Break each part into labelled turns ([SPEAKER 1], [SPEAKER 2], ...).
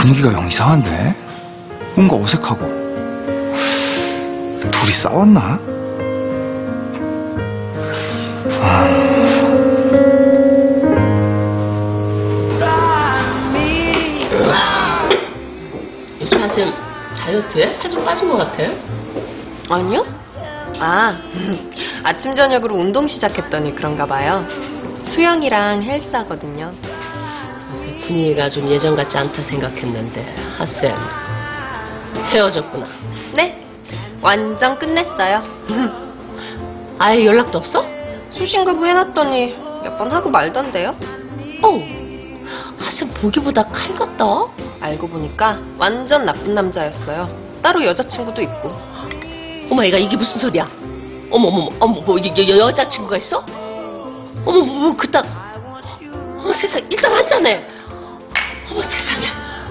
[SPEAKER 1] 분위기가 영 이상한데? 뭔가 어색하고. 둘이 싸웠나?
[SPEAKER 2] 요즘 하쌤 다이어트해? 살 좀 빠진 것 같아?
[SPEAKER 3] 아니요? 아침 저녁으로 운동 시작했더니 그런가 봐요. 수영이랑 헬스 하거든요.
[SPEAKER 2] 요새 분위기가 좀 예전 같지 않다 생각했는데 하쌤 헤어졌구나.
[SPEAKER 3] 네, 완전 끝냈어요.
[SPEAKER 2] 아예 연락도 없어?
[SPEAKER 3] 수신거부 해놨더니 몇 번 하고 말던데요?
[SPEAKER 2] 하쌤 보기보다 칼 같다.
[SPEAKER 3] 알고 보니까 완전 나쁜 남자였어요. 따로 여자친구도 있고.
[SPEAKER 2] 어머 얘가 이게 무슨 소리야? 어머 뭐 여자친구가 있어? 어머 뭐 그딴. 어머 세상 일단 한잔해. 어머 세상에.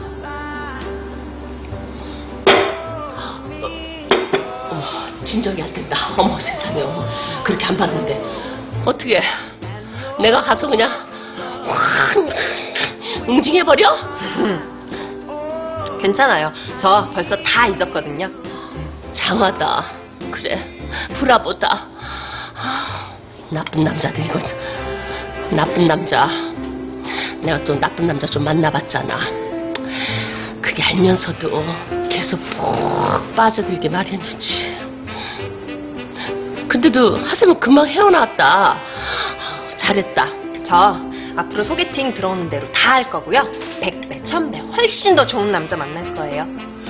[SPEAKER 2] 어머 진정이 안 된다. 어머 세상에. 어머 그렇게 안 봤는데 어떻게 내가 가서 그냥 확 응징해버려?
[SPEAKER 3] 괜찮아요. 저 벌써 다 잊었거든요.
[SPEAKER 2] 장하다. 그래 브라보다. 나쁜 남자들이군. 나쁜 남자. 내가 또 나쁜 남자 좀 만나봤잖아. 그게 알면서도 계속 푹 빠져들게 마련이지. 근데도 하세면 금방 헤어나왔다. 잘했다.
[SPEAKER 3] 저 앞으로 소개팅 들어오는 대로 다 할 거고요. 100배, 1000배 훨씬 더 좋은 남자 만날 거예요.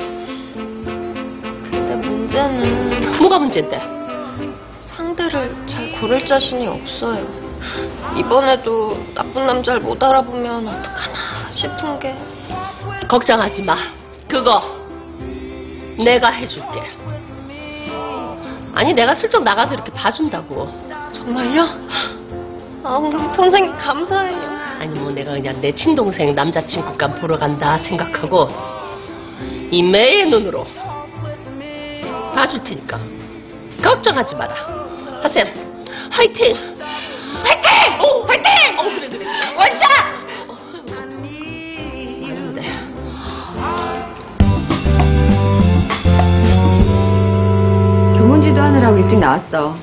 [SPEAKER 3] 근데 문제는
[SPEAKER 2] 뭐가 문제인데?
[SPEAKER 3] 상대를 잘 고를 자신이 없어요. 이번에도 나쁜 남자를 못 알아보면 어떡하나 싶은 게.
[SPEAKER 2] 걱정하지 마. 그거 내가 해줄게. 아니 내가 슬쩍 나가서 이렇게 봐준다고.
[SPEAKER 3] 정말요? 아우 선생님 감사해요.
[SPEAKER 2] 아니 뭐 내가 그냥 내 친동생 남자친구감 보러 간다 생각하고 이 매의 눈으로 봐줄 테니까 걱정하지 마라. 하쌤 화이팅! 화이팅! 화이팅! 그래
[SPEAKER 3] 원샷!
[SPEAKER 2] 맞는데.
[SPEAKER 4] 교문지도 하느라고 일찍 나왔어.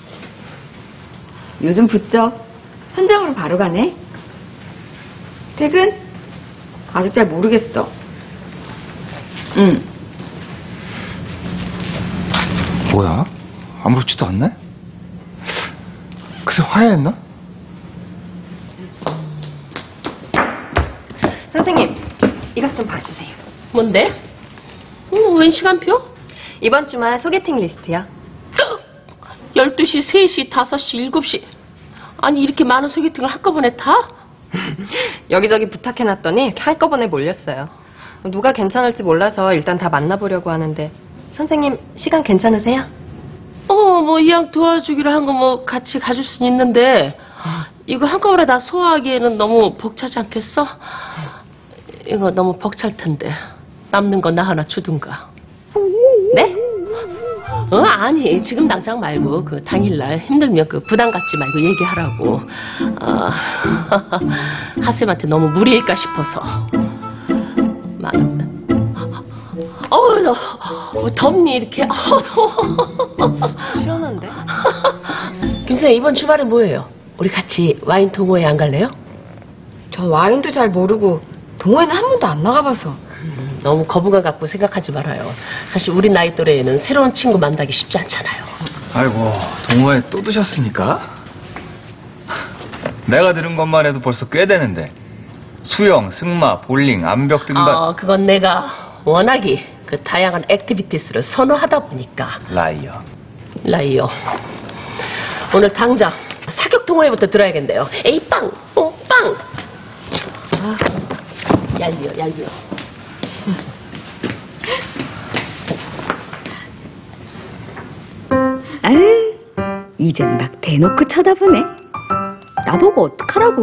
[SPEAKER 4] 요즘 부쩍 현장으로 바로 가네. 퇴근? 아직 잘 모르겠어. 응.
[SPEAKER 1] 뭐야? 아무렇지도 않네? 그새 화해했나?
[SPEAKER 3] 선생님 이것 좀 봐주세요.
[SPEAKER 2] 뭔데? 웬 시간표?
[SPEAKER 3] 이번 주말 소개팅 리스트요.
[SPEAKER 2] 12시, 3시, 5시, 7시. 아니 이렇게 많은 소개팅을 한꺼번에 다?
[SPEAKER 3] 여기저기 부탁해놨더니 한꺼번에 몰렸어요. 누가 괜찮을지 몰라서 일단 다 만나보려고 하는데 선생님 시간 괜찮으세요?
[SPEAKER 2] 뭐 이왕 도와주기로 한 거 뭐 같이 가줄 수는 있는데 이거 한꺼번에 다 소화하기에는 너무 벅차지 않겠어? 이거 너무 벅찰 텐데 남는 거 나 하나 주든가.
[SPEAKER 3] 네?
[SPEAKER 2] 아니 지금 당장 말고 그 당일날 힘들면 그 부담 갖지 말고 얘기하라고. 하쌤한테 너무 무리일까 싶어서. 덥니 이렇게. 더워.
[SPEAKER 3] 시원한데?
[SPEAKER 2] 김선생 이번 주말에 뭐예요? 우리 같이 와인 동호회 안 갈래요?
[SPEAKER 4] 전 와인도 잘 모르고 동호회는 한 번도 안 나가봐서.
[SPEAKER 2] 너무 거부감 갖고 생각하지 말아요. 사실 우리 나이 또래에는 새로운 친구 만나기 쉽지 않잖아요.
[SPEAKER 1] 아이고, 동호회 또 드셨습니까? 내가 들은 것만 해도 벌써 꽤 되는데. 수영, 승마, 볼링, 암벽 등반.
[SPEAKER 2] 그건 내가 워낙에 그 다양한 액티비티스를 선호하다 보니까. 라이어. 오늘 당장 사격 동호회부터 들어야겠네요. 에이 빵! 빵! 얄미워.
[SPEAKER 4] 아유, 이젠 막 대놓고 쳐다보네. 나보고 어떡하라고.